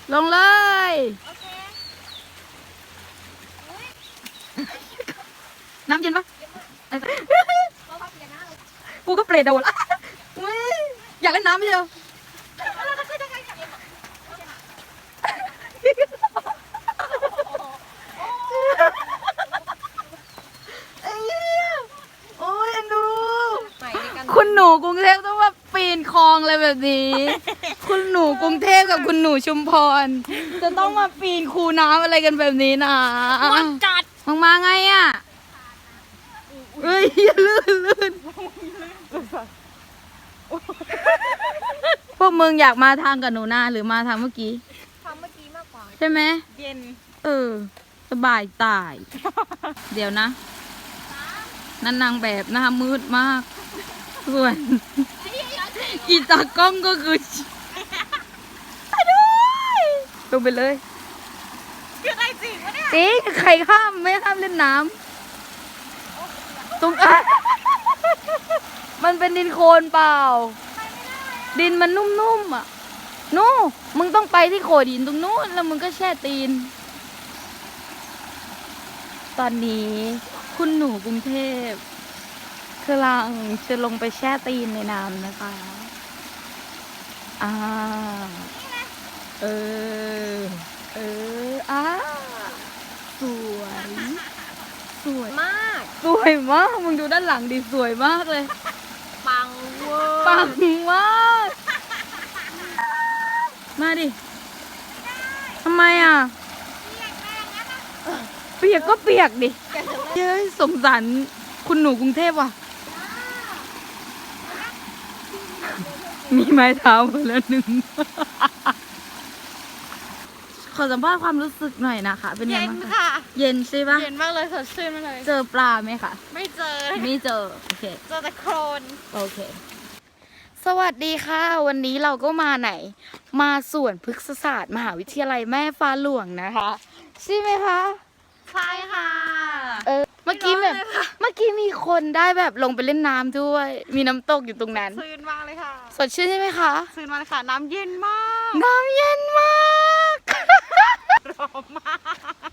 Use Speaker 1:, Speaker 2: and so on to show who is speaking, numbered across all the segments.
Speaker 1: ลงเลยน้ำเย็นปะกูก็เปรตโดนอยากเล่นน้ำไม่ใช่เหรอโอ้ยอันดูคุณหนูกรุงเทพต้องมาปีนคลองอะไรแบบนี้ คุณหนูกรุงเทพกับคุณหนูชุมพรจะต้องมาปีนคูน้ำอะไรกันแบบนี้นะมันจัดมาไงอ่ะเอ้ยลื่นพวกมึงอยากมาทางกับหนูนาหรือมาทางเมื่อกี้มากกว่าใช่ไหมเย็นสบายตาย เดี๋ยวนะนั่นนางแบบหน้ามืดมากส่วนอีตากล้องก็คือลงไปเลยคืออะไรจริงวะเนี่ยจริงใครข้ามไม่ข้ามเล่นน้ำตรงมันเป็นดินโคลนเปล่าดินมันนุ่มๆอ่ะนู่มึงต้องไปที่โขดหินตรงนู้นแล้วมึงก็แช่ตีนตอนนี้คุณหนูกรุงเทพกำลังจะลงไปแช่ตีนในน้ำนะคะสวยมากสวยมากมึงดูด้านหลังดิสวยมากเลยปังเวอร์ปังมากมาดิทำไมอ่ะเปียกก็เปียกดิเย้ยสงสารคุณหนูกรุงเทพว่ะมีไม้เท้ามาแล้วหนึ่งขอสัมภาษณ์ความรู้สึกหน่อยนะคะเป็นไงบ้างคะเย็นใช่ปะ
Speaker 2: เย็นมากเลยสดชื่นมากเลย
Speaker 1: เจอปลาไหมคะ
Speaker 2: ไม่เจอ
Speaker 1: โอเค
Speaker 2: เจอแต่โคลน
Speaker 1: โอเคสวัสดีค่ะวันนี้เราก็มาไหนมาสวนพฤกษศาสตร์มหาวิทยาลัยแม่ฟ้าหลวงนะคะใช่ไหมคะ
Speaker 2: ใช่ค่ะ
Speaker 1: เมื่อกี้มีคนได้แบบลงไปเล่นน้ำด้วยมีน้ำตกอยู่ตรงนั้น
Speaker 2: ชื่นมากเลยค่ะ
Speaker 1: สดชื่นใช่ไหมคะ
Speaker 2: ชื่นมากเลยค่ะน้ำเย็นมาก ร้อนมาก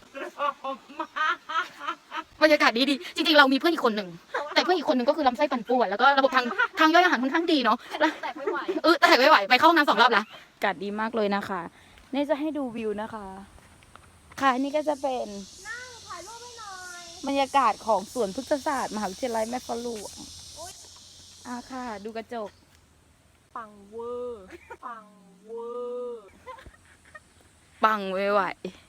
Speaker 1: บรรยากาศดีจริงๆเรามีเพื่อนอีกคนหนึ่งแต่เพื่อนอีกคนหนึ่งก็คือลำไส้ปั่นป่วนแล้วก็ระบบทางย่อยอาหารค่อนข้างดีเนาะ
Speaker 2: แต่ไม่ไหว
Speaker 1: แต่ไม่ไหวไปเข้าห้องน้ำ2 รอบละอากาศดีมากเลยนะคะนี่จะให้ดูวิวนะคะค่ะนี่ก็จะเป็น
Speaker 2: ถ่ายรูปให้หน่อย
Speaker 1: บรรยากาศของสวนพฤกษศาสตร์มหาวิทยาลัยแม่ฟ้าหลวงค่ะดูกระจก
Speaker 2: ปังเวอร์
Speaker 1: ปังไม่ไหว